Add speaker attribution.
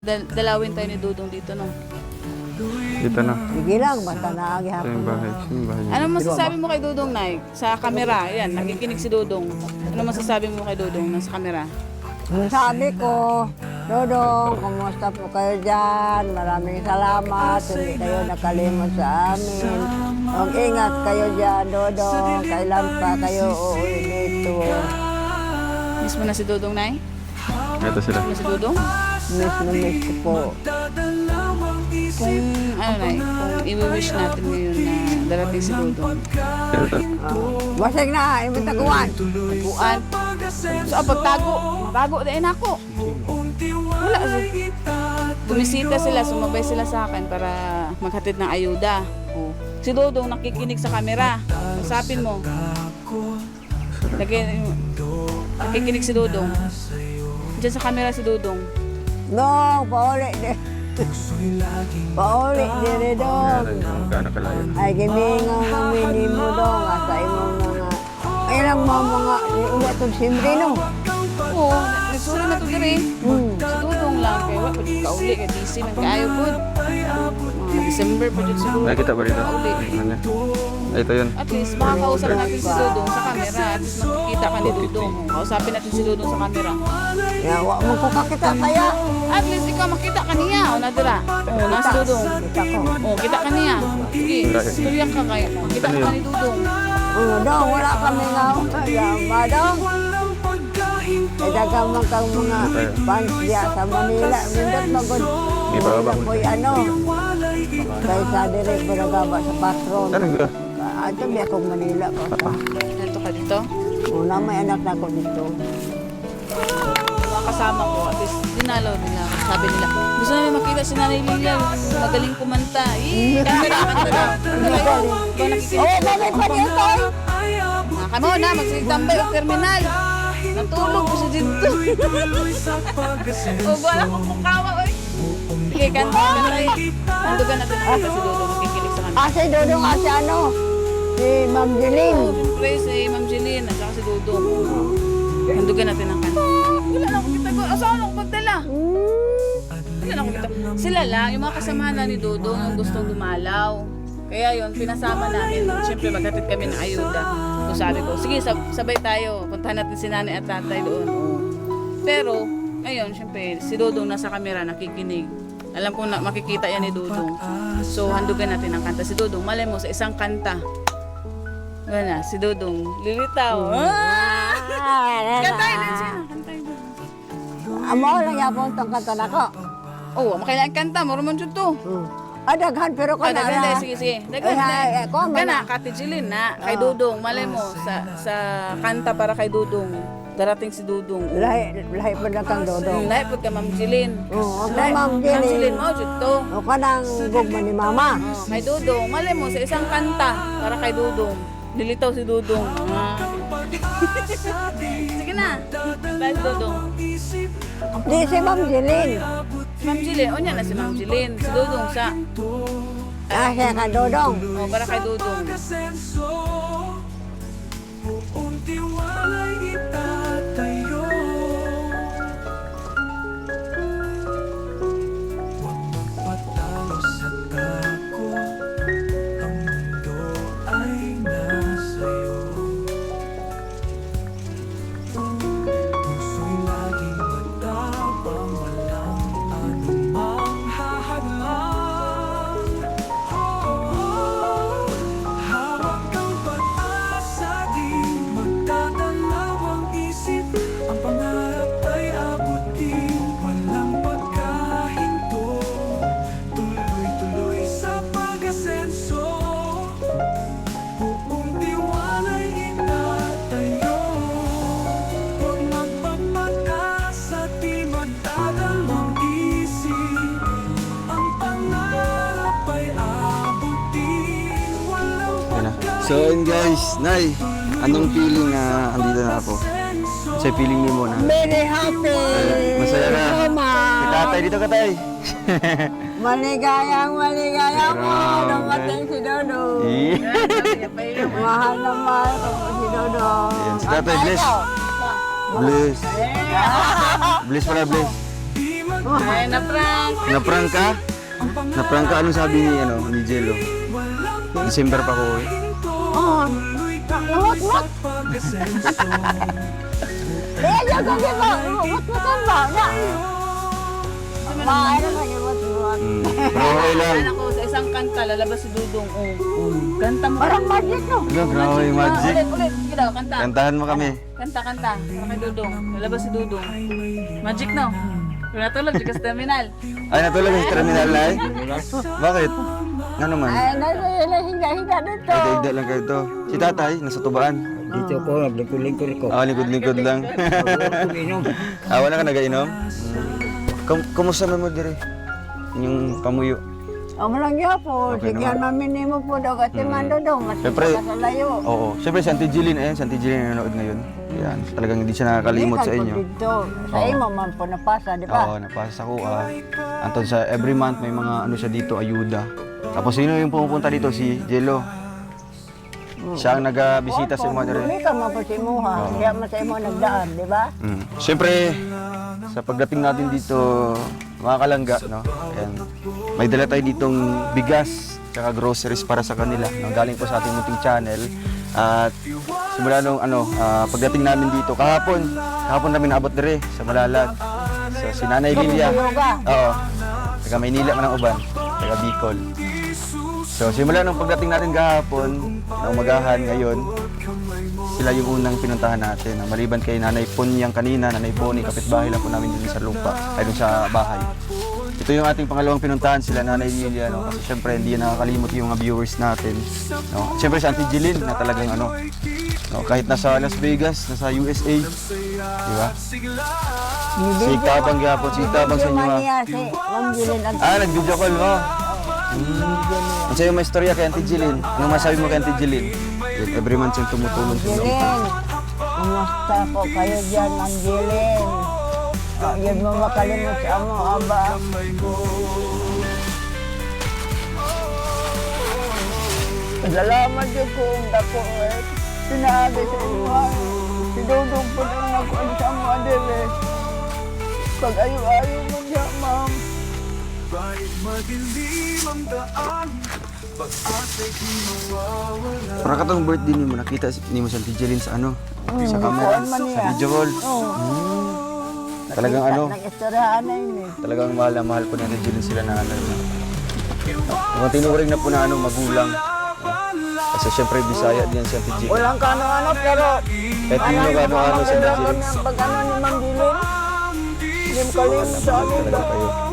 Speaker 1: Dalawin tayo ni Dudong dito, no?
Speaker 2: Dito na.
Speaker 3: Sige lang, basta
Speaker 2: Ito
Speaker 3: naagihapon
Speaker 2: yung
Speaker 3: na.
Speaker 2: bahay. Ito yung bahay.
Speaker 1: Ano masasabi mo kay Dudong, Nay? Sa camera, yan, nakikinig si Dudong. Ano masasabi mo kay Dudong nasa camera?
Speaker 3: Sabi ko, Dodong, kumusta po kayo dyan? Maraming salamat, hindi kayo nakalimot sa amin. Mag-ingat kayo dyan, Dodong. Kailan pa kayo uuwi dito?
Speaker 1: Miss mo na si Dudong, Nay?
Speaker 2: Ito sila.
Speaker 1: Miss mo si Dudong?
Speaker 3: Miss na miss ko po.
Speaker 1: Kung, ano, Nay, kung i-wish natin ngayon na darating si Dudong.
Speaker 3: Basig na, ibig taguan.
Speaker 1: Taguan. So, pagtago, tago din ako. Wala. Bumisita sila, sumabay sila sa akin para maghatid ng ayuda. Oh. Si Dudong nakikinig sa camera. Usapin mo. Nakikinig si Dudong. Diyan sa camera si Dudong.
Speaker 3: No, pauli din. Pauli din, Dong.
Speaker 2: Gaano kalayo?
Speaker 3: Ay, gimingaw namin ni mo, Dong. Asa imong mga... Ay lang mga ulat itong simri, no?
Speaker 1: Oo, nagsura na ito diri. Si Dudong lang. Kaya wala pa dito kauli. Kaya DC man kaayo po. Mga December pa dito si Dudong.
Speaker 2: Nakikita ba dito?
Speaker 1: Kauli.
Speaker 2: Ano? Ito yun.
Speaker 1: At least makakausap natin si Dudong sa camera. At least makikita ka ni Dudong. Kausapin natin si Dudong sa camera.
Speaker 3: Yawa mo ko kakita kaya.
Speaker 1: At least ikaw makita ka niya. O nadira. O nasa Dudong.
Speaker 3: Kita ko.
Speaker 1: O kita ka niya. Sige, istorya ka kaya. Makita ka ni Dudong.
Speaker 3: Dong, wala kami nga. Yama, Dong. Ay, dagamang kang mga fans diya sa Manila. Mindot magod.
Speaker 2: May bababa ko.
Speaker 3: Ako'y ano. Kaysa direct baragaba sa patron.
Speaker 2: Talaga?
Speaker 3: Ito may akong Manila.
Speaker 1: Dito ka dito.
Speaker 3: Una may anak na ako dito.
Speaker 1: Mga kasama ko. At least dinalaw nila. Sabi nila, gusto namin makita si Nanay Lila. Magaling kumanta. Kanta na, kanta na. Ikaw nakikinig.
Speaker 3: Oh, bagay pa niyo to.
Speaker 1: Kamo na, magsitambay o terminal. Natulog ko siya dito. O, wala kong mukawa, oy. Sige, kanta. Nandugan natin ang kanta si Dodo. Makikinig sa kanya.
Speaker 3: Si Dodong, si ano? Si Ma'am Jeline.
Speaker 1: Siyempre, si Ma'am Jeline at saka si Dodo. Nandugan natin ang kanta. Wala na akong kita. Asahan ako magdala. Wala na akong kita. Sila lang, yung mga kasamahan na ni Dodo, yung gustong dumalaw. Kaya yun, pinasama namin. Siyempre, maghatid kami ng ayuda. So sabi ko, sige, sabay tayo. Puntahan natin si nanay at tatay doon. Pero, ngayon, siyempre, si Dodong nasa kamera, nakikinig. Alam ko na makikita yan ni Dodong. So, handugan natin ang kanta. Si Dodong, malay mo, sa isang kanta. Wala na, si Dodong, lilitaw. Kantayin din siya. Kantayin din.
Speaker 3: Amo lang yapon tong kanta nako.
Speaker 1: Oo, makailangan kanta. Marumon dyan to.
Speaker 3: Daghan pero ko na.
Speaker 1: Daghan, sige, sige. Daghan,
Speaker 3: Ay, ko,
Speaker 1: Kana, Kati Jilin na, kay Dudong. Malay mo, sa kanta para kay Dudong. Darating si Dudong.
Speaker 3: Lahi pa na kang Dodong.
Speaker 1: Lahi po ka, Ma'am Jilin.
Speaker 3: Oo, ako
Speaker 1: Lahi-
Speaker 3: Ma'am
Speaker 1: Ma'am Jilin,
Speaker 3: Jeline.
Speaker 1: mo, dito.
Speaker 3: O ka nang gugma ni Mama.
Speaker 1: Kay Dudong, malay mo, sa isang kanta para kay Dudong. Nilitaw si Dudong. Sige na. Dahil Dudong.
Speaker 3: Di si Ma'am Jeline.
Speaker 1: Si Ma'am Jilin, o niya na si Ma'am Jilin. Si Dudong sa,
Speaker 3: Siya ka Dodong.
Speaker 1: o para kay Dudong.
Speaker 4: So yun guys, Nay, anong feeling na andito na ako? Sa feeling mo na?
Speaker 3: Very happy.
Speaker 4: Masaya na.
Speaker 3: Mama.
Speaker 4: Si tatay, dito ka tay.
Speaker 3: Maligayang mo.
Speaker 4: Grabe.
Speaker 3: Dumating si Dodong.
Speaker 4: Yeah.
Speaker 3: Mahal na mahal ko po si Dodong.
Speaker 4: Ayan, si tatay, bless. Bless. Bless pala, bless.
Speaker 1: Ay, na-prank.
Speaker 4: Na-prank ka? Na-prank ka? Anong sabi ni Jello? December pa ko eh.
Speaker 3: Oh, nawat-wat. Eh, yung gabi ba? Wat-watan ba? Maaari na yung wat-wat.
Speaker 4: Pero okay lang.
Speaker 1: Anak ko, sa isang kanta, lalabas si Dudong. Kanta mo.
Speaker 3: Parang magic, no?
Speaker 4: Ano, grabe yung magic.
Speaker 1: Ulit. Sige daw, kanta.
Speaker 4: Kantahan mo kami.
Speaker 1: Kanta. Para kay Dudong. Lalabas si Dudong. Magic, no? Kung natulog, siya sa terminal.
Speaker 4: Ay, natulog yung terminal na eh. Bakit? Nga naman.
Speaker 3: Ay, nahiga-higa dito.
Speaker 4: Ay, daigda lang kayo to. Si tatay, nasa tubaan.
Speaker 5: Dito ko, naglingkod-lingkod ko.
Speaker 4: Ah, lingkod-lingkod lang.
Speaker 5: Uminom.
Speaker 4: Wala ka nagainom? Kumusta mo dire? Yung pamuyo.
Speaker 3: Amo lang po.
Speaker 4: Okay
Speaker 3: Sige,
Speaker 4: naman.
Speaker 3: maminimo po daw kasi mando daw. Mas
Speaker 4: Siyempre.
Speaker 3: sa layo.
Speaker 4: Oo. Siyempre, si Auntie Jeline, ayan, si Auntie Jeline nanonood ngayon. Ayan, talagang hindi siya nakakalimot sa inyo.
Speaker 3: Dito. Sa
Speaker 4: Oo.
Speaker 3: imo man po napasa, di
Speaker 4: Oo,
Speaker 3: ba?
Speaker 4: napasa ko. Anton, sa every month may mga ano siya dito, ayuda. Tapos sino yung pumupunta dito? Si Jello. Siya ang nag-bisita sa mga dire.
Speaker 3: Hindi ka man po si Imuha. Kaya man sa imo nagdaan, di ba?
Speaker 4: Siyempre, sa pagdating natin dito, mga kalangga, no? Ayan, may dala tayo ditong bigas tsaka groceries para sa kanila. No? Galing po sa ating munting channel. At simula nung pagdating namin dito, kahapon namin naabot dire sa Malalag. So, si Nanay Lilia. Oo. Taga Maynila ka ng uban. Taga Bicol. So, simula nung pagdating natin kahapon, na umagahan ngayon, sila yung unang pinuntahan natin. Maliban kay Nanay Punyang kanina, Nanay Bonnie, kapitbahay lang po namin dun sa lupa, ay dun sa bahay. Ito yung ating pangalawang pinuntahan, sila Nanay Lilia, no? Kasi syempre hindi nakakalimot yung mga viewers natin. No? Syempre si Auntie Jeline na talagang no? Kahit nasa Las Vegas, nasa USA, di ba? Sigtabang gyapon, sigtabang sa inyo ha.
Speaker 3: Si Ma'am Jilin ang
Speaker 4: Nag-video call mo. Ano sa'yo may istorya kay Auntie Jeline? Anong masabi mo kay Auntie Jeline? Every month siyang tumutulong sa inyo.
Speaker 3: Jilin. Kumusta po kayo dyan, Ma'am Jilin? Yun mo makalimot sa amo, aba. Salamat yun kung dako eh. Sinabi sa inyo, si Dudong po nang nakuan sa amo, adere. Pag ayo-ayo mo niya, Ma'am.
Speaker 4: Para katong birthday ni mo, nakita ni mo si Auntie Jeline sa ano? Sa camera,
Speaker 3: kuwan man niya.
Speaker 4: sa video call. Talagang ano,
Speaker 3: Nag-istoryahan na yun eh.
Speaker 4: talagang mahal na mahal po ni Auntie Jeline sila na ano. Kung tinuring na po na ano, magulang. Kasi syempre Bisaya din si Auntie Jeline.
Speaker 3: Walang kano-ano, pero
Speaker 4: Kahit hindi mo ano sa Auntie
Speaker 3: kailangan
Speaker 4: Jeline.
Speaker 3: ng pag-ano ni Ma'am Jilin. Hindi mo kalimut sa amin.
Speaker 4: Talaga kayo.